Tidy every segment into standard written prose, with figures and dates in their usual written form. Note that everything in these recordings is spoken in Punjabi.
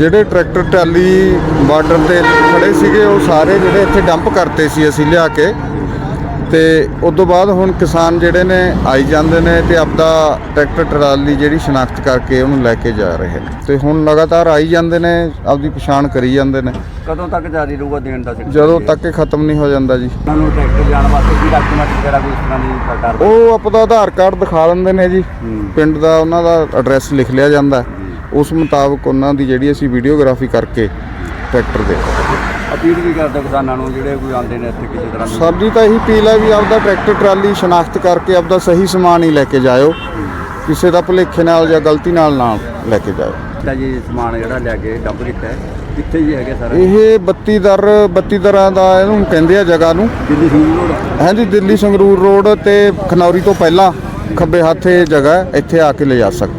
ਜਿਹੜੇ ਟਰੈਕਟਰ ਟਰਾਲੀ ਬਾਰਡਰ ਤੇ ਖੜੇ ਸੀਗੇ ਉਹ ਸਾਰੇ ਜਿਹੜੇ ਇੱਥੇ ਡੰਪ ਕਰਤੇ ਸੀ ਅਸੀਂ ਲਿਆ ਕੇ ਤੇ ਉਸ ਤੋਂ ਬਾਅਦ ਹੁਣ ਕਿਸਾਨ ਜਿਹੜੇ ਨੇ ਆਈ ਜਾਂਦੇ ਨੇ ਤੇ ਆਪਦਾ ਟਰੈਕਟਰ ਟਰਾਲੀ ਜਿਹੜੀ ਸ਼ਨਾਖਤ ਕਰਕੇ ਉਹਨੂੰ ਲੈ ਕੇ ਜਾ ਰਹੇ ਨੇ ਤੇ ਹੁਣ ਲਗਾਤਾਰ ਆਈ ਜਾਂਦੇ ਨੇ, ਆਪਦੀ ਪਛਾਣ ਕਰੀ ਜਾਂਦੇ ਨੇ। ਕਦੋਂ ਤੱਕ ਜਾਰੀ ਰਹੂਗਾ ਦੇਣ ਦਾ? ਜਦੋਂ ਤੱਕ ਇਹ ਖਤਮ ਨਹੀਂ ਹੋ ਜਾਂਦਾ ਜੀ। ਉਹਨਾਂ ਨੂੰ ਟਰੈਕਟਰ ਜਾਣ ਵਾਸਤੇ ਕੀ ਡਾਕੂਮੈਂਟ ਵਗੈਰਾ ਕੋਈ ਇਸ ਤਰ੍ਹਾਂ ਦੀ ਸਰਕਾਰ ਉਹ ਆਪਦਾ ਆਧਾਰ ਕਾਰਡ ਦਿਖਾ ਦਿੰਦੇ ਨੇ ਜੀ, ਪਿੰਡ ਦਾ ਉਹਨਾਂ ਦਾ ਐਡਰੈਸ ਲਿਖ ਲਿਆ ਜਾਂਦਾ, ਉਸ ਮੁਤਾਬਕ ਉਹਨਾਂ ਦੀ ਜਿਹੜੀ ਅਸੀਂ ਵੀਡੀਓਗ੍ਰਾਫੀ ਕਰਕੇ ਟਰੈਕਟਰ ਦੇ ਅਪੀਲ ਵੀ ਕਰਦੇ ਕਿਸਾਨਾਂ ਨੂੰ ਜਿਹੜੇ ਕੋਈ ਆਉਂਦੇ ਨੇ ਇੱਥੇ ਕਿਸੇ ਤਰ੍ਹਾਂ ਸਾਡੀ ਤਾਂ ਇਹੀ ਅਪੀਲ ਹੈ ਵੀ ਆਪਦਾ ਟਰੈਕਟਰ ਟਰਾਲੀ ਸ਼ਨਾਖਤ ਕਰਕੇ ਆਪਦਾ ਸਹੀ ਸਮਾਨ ਹੀ ਲੈ ਕੇ ਜਾਇਓ, ਕਿਸੇ ਦਾ ਭੁਲੇਖੇ ਨਾਲ ਜਾਂ ਗਲਤੀ ਨਾਲ ਨਾ ਲੈ ਕੇ ਜਾਇਓ। ਤਾਂ ਜੀ ਸਮਾਨ ਜਿਹੜਾ ਲੈ ਕੇ ਡੰਪ ਕੀਤਾ ਹੈ ਕਿੱਥੇ ਜੀ ਹੈਗੇ ਸਾਰੇ? ਇਹ 32 ਦਰਾਂ ਦਾ ਇਹਨੂੰ ਕਹਿੰਦੇ ਆ ਜਗ੍ਹਾ ਨੂੰ। ਦਿੱਲੀ ਸੰਗਰੂਰ ਰੋਡ? ਹਾਂਜੀ, ਦਿੱਲੀ ਸੰਗਰੂਰ ਰੋਡ ਤੇ ਖਨੌਰੀ ਤੋਂ ਪਹਿਲਾਂ ਖੱਬੇ ਹੱਥ ਇਹ ਜਗ੍ਹਾ ਹੈ, ਇੱਥੇ ਆ ਕੇ ਲਿਜਾ ਸਕਦੇ।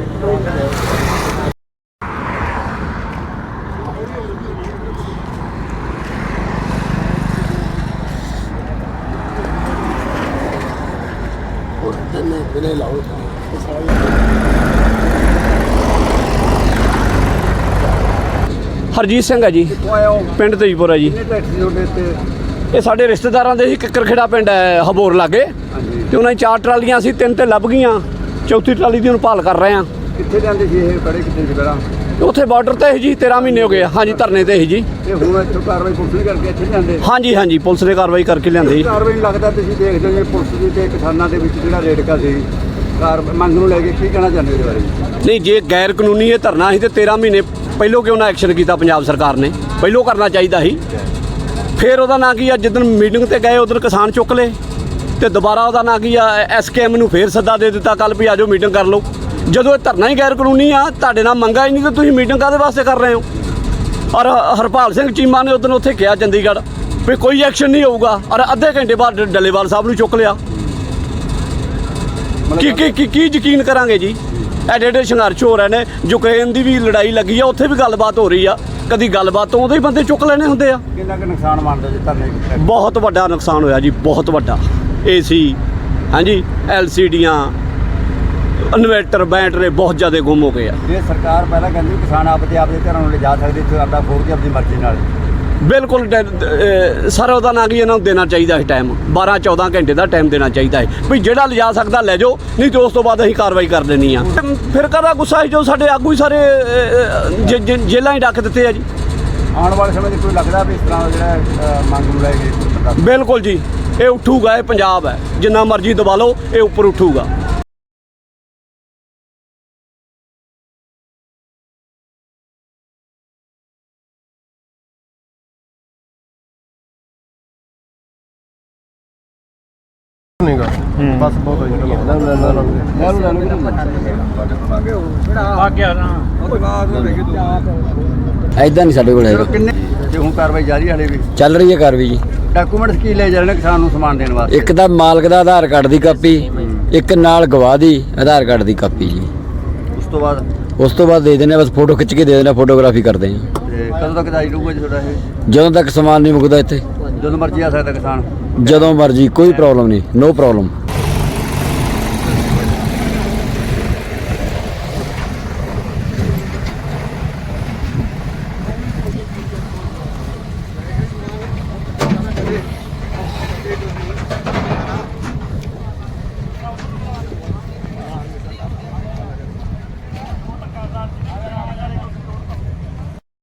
ਹਰਜੀਤ ਸਿੰਘ ਹੈ ਜੀ, ਪਿੰਡ ਤੇਜਪੁਰ ਹੈ ਜੀ। ਇਹ ਸਾਡੇ ਰਿਸ਼ਤੇਦਾਰਾਂ ਦੇ ਸੀ, ਕਿੱਕਰ ਖੇੜਾ ਪਿੰਡ ਹੈ ਹਬੋਰ ਲਾਗੇ, ਤੇ ਉਹਨਾਂ ਦੀ 4 ਟਰਾਲੀਆਂ ਸੀ, 3 ਤੇ ਲੱਭ ਗਈਆਂ, ਚੌਥੀ ਟਰਾਲੀ ਦੀ ਹੁਣ ਭਾਲ ਕਰ ਰਹੇ ਆ। ਕਿੱਥੇ ਜਾਂਦੇ ਸੀ ਇਹ? ਬੜੇ ਕਿੱਥੇ ਸੀ ਪਹਿਲਾਂ? ਉੱਥੇ ਬਾਰਡਰ ਤੇ ਜੀ 13 ਮਹੀਨੇ ਹੋ ਗਏ। ਹਾਂਜੀ, ਧਰਨੇ ਤੇ ਸੀ ਜੀ। ਇਹ ਹੁਣ ਇੱਥੋਂ ਕਾਰਵਾਈ ਪੁਲਿਸ ਨੇ ਕਰਕੇ ਇੱਥੇ ਜਾਂਦੇ? ਹਾਂਜੀ, ਪੁਲਿਸ ਨੇ ਕਾਰਵਾਈ ਕਰਕੇ ਲਿਆਂਦੇ ਜੀ। ਕਾਰਵਾਈ ਲੱਗਦਾ ਤੁਸੀਂ ਦੇਖਦੇ ਹੋ ਪੁਲਿਸ ਦੀ ਤੇ ਕਿਸਾਨਾਂ ਦੇ ਵਿੱਚ ਜਿਹੜਾ ਰੇੜਕਾ ਸੀ ਮੰਗ ਨੂੰ ਲੈ ਕੇ, ਕੀ ਕਹਿਣਾ ਚਾਹੁੰਦੇ ਉਹਦੇ ਬਾਰੇ? ਨਹੀਂ, ਜੇ ਗੈਰ ਕਾਨੂੰਨੀ ਇਹ ਧਰਨਾ ਸੀ ਤੇ 13 ਮਹੀਨੇ ਪਹਿਲੋਂ ਕਿਉਂ ਨਾ ਐਕਸ਼ਨ ਕੀਤਾ ਪੰਜਾਬ ਸਰਕਾਰ ਨੇ? ਪਹਿਲੋਂ ਕਰਨਾ ਚਾਹੀਦਾ ਸੀ। ਫਿਰ ਉਹਦਾ ਨਾਂ ਕੀ ਆ, ਜਿੱਦਣ ਮੀਟਿੰਗ ਤੇ ਗਏ ਉਦੋਂ ਕਿਸਾਨ ਚੁੱਕ ਲਏ ਤੇ ਦੁਬਾਰਾ ਉਹਦਾ ਨਾਂ ਕੀ ਆ, SKM ਨੂੰ ਫੇਰ ਸੱਦਾ ਦੇ ਦਿੱਤਾ ਕੱਲ ਵੀ ਆਜੋ ਮੀਟਿੰਗ ਕਰ ਲਓ। ਜਦੋਂ ਇਹ ਧਰਨਾ ਹੀ ਗੈਰ ਕਾਨੂੰਨੀ ਆ, ਤੁਹਾਡੇ ਨਾਲ ਮੰਗਾ ਹੀ ਨਹੀਂ, ਤਾਂ ਤੁਸੀਂ ਮੀਟਿੰਗ ਕਾਹਦੇ ਵਾਸਤੇ ਕਰ ਰਹੇ ਹੋ? ਔਰ ਹਰਪਾਲ ਸਿੰਘ ਚੀਮਾ ਨੇ ਉਦੋਂ ਉੱਥੇ ਕਿਹਾ ਚੰਡੀਗੜ੍ਹ ਵੀ ਕੋਈ ਐਕਸ਼ਨ ਨਹੀਂ ਹੋਊਗਾ, ਔਰ ਅੱਧੇ ਘੰਟੇ ਬਾਅਦ ਡੱਲੇਵਾਲ ਸਾਹਿਬ ਨੂੰ ਚੁੱਕ ਲਿਆ। ਕੀ ਯਕੀਨ ਕਰਾਂਗੇ ਜੀ? ਐਡੇ ਸੰਘਰਸ਼ ਹੋ ਰਹੇ ਨੇ, ਯੂਕਰੇਨ ਦੀ ਵੀ ਲੜਾਈ ਲੱਗੀ ਆ, ਉੱਥੇ ਵੀ ਗੱਲਬਾਤ ਹੋ ਰਹੀ ਆ, ਕਦੀ ਗੱਲਬਾਤ ਤੋਂ ਉਦੋਂ ਹੀ ਬੰਦੇ ਚੁੱਕ ਲੈਣੇ ਹੁੰਦੇ ਆ। ਕਿੰਨਾ ਕੁ ਨੁਕਸਾਨ ਮੰਨਦੇ ਜੀ ਧਰਨੇ? ਬਹੁਤ ਵੱਡਾ ਨੁਕਸਾਨ ਹੋਇਆ ਜੀ, ਬਹੁਤ ਵੱਡਾ। AC, ਹਾਂਜੀ, LCDਆਂ, ਇਨਵੇਟਰ, ਬੈਟਰੀ ਬਹੁਤ ਜ਼ਿਆਦਾ ਗੁੰਮ ਹੋ ਗਏ ਆ। ਇਹ ਸਰਕਾਰ ਪਹਿਲਾਂ ਕਹਿੰਦੀ ਕਿਸਾਨ ਆਪਦੇ ਘਰਾਂ ਨੂੰ ਲਿਜਾ ਸਕਦੇ, ਇੱਥੇ ਆਪਦਾ ਫੋੜ ਕੇ ਆਪਣੀ ਮਰਜ਼ੀ ਨਾਲ। ਬਿਲਕੁਲ ਸਰ, ਉਹਦਾ ਨਾਂ ਕੀ, ਇਹਨਾਂ ਨੂੰ ਦੇਣਾ ਚਾਹੀਦਾ ਹੈ ਟਾਈਮ, 12-14 ਘੰਟੇ ਦਾ ਟਾਈਮ ਦੇਣਾ ਚਾਹੀਦਾ ਹੈ ਵੀ ਜਿਹੜਾ ਲਿਜਾ ਸਕਦਾ ਲੈ ਜਾਓ, ਨਹੀਂ ਤੇ ਉਸ ਤੋਂ ਬਾਅਦ ਅਸੀਂ ਕਾਰਵਾਈ ਕਰ ਦੇਣੀ ਆ। ਫਿਰ ਕਾਹਦਾ ਗੁੱਸਾ ਜੋ ਸਾਡੇ ਆਗੂ ਹੀ ਸਾਰੇ ਜੇਲ੍ਹਾਂ ਹੀ ਡੱਕ ਦਿੱਤੇ ਆ ਜੀ। ਆਉਣ ਵਾਲੇ ਸਮੇਂ 'ਚ ਕੋਈ ਲੱਗਦਾ ਵੀ ਇਸ ਤਰ੍ਹਾਂ ਜਿਹੜਾ ਮੰਗ ਨੂੰ ਲੈ ਕੇ? ਬਿਲਕੁਲ ਜੀ, ਇਹ ਉੱਠੂਗਾ, ਇਹ ਪੰਜਾਬ ਹੈ, ਜਿੰਨਾ ਮਰਜ਼ੀ ਦਬਾ ਲਓ ਇਹ ਉੱਪਰ ਉੱਠੂਗਾ। ਬਸ ਬਹੁਤ ਹੋਈ ਐਦਾਂ ਨਹੀਂ ਸਾਡੇ ਕੋਲ ਹੈਗਾ। ਤੇ ਹੁਣ ਕਾਰਵਾਈ ਜਾਰੀ ਹਾਲੇ ਵੀ ਚੱਲ ਰਹੀ ਹੈ ਕਾਰਵਾਈ ਜੀ। ਡਾਕੂਮੈਂਟਸ ਕੀ ਲੈ ਜਾ ਰਹੇ ਨੇ ਕਿਸਾਨ ਨੂੰ ਸਮਾਨ ਦੇਣ ਵਾਸਤੇ? ਇੱਕ ਤਾਂ ਮਾਲਕ ਦਾ ਆਧਾਰ ਕਾਰਡ ਦੀ ਕਾਪੀ, ਇੱਕ ਨਾਲ ਗਵਾਹ ਦੀ ਆਧਾਰ ਕਾਰਡ ਦੀ ਕਾਪੀ ਜੀ। ਉਸ ਤੋਂ ਬਾਅਦ ਦੇ ਦਿੰਦੇ, ਬਸ ਫੋਟੋ ਖਿੱਚ ਕੇ ਦੇ ਦਿੰਦੇ, ਫੋਟੋਗ੍ਰਾਫੀ ਕਰਦੇ ਹਾਂ। ਤੇ ਕਦੋਂ ਤੱਕ ਜਾਰੀ ਰਹੂਗਾ ਜੀ ਤੁਹਾਡਾ ਇਹ? ਜਦੋਂ ਤੱਕ ਸਮਾਨ ਨਹੀਂ ਮੁੱਕਦਾ ਇੱਥੇ। ਜਦੋਂ ਮਰਜ਼ੀ ਆ ਸਕਦਾ ਕਿਸਾਨ? ਜਦੋਂ ਮਰਜ਼ੀ, ਕੋਈ ਪ੍ਰੋਬਲਮ ਨਹੀਂ, ਨੋ ਪ੍ਰੋਬਲਮ।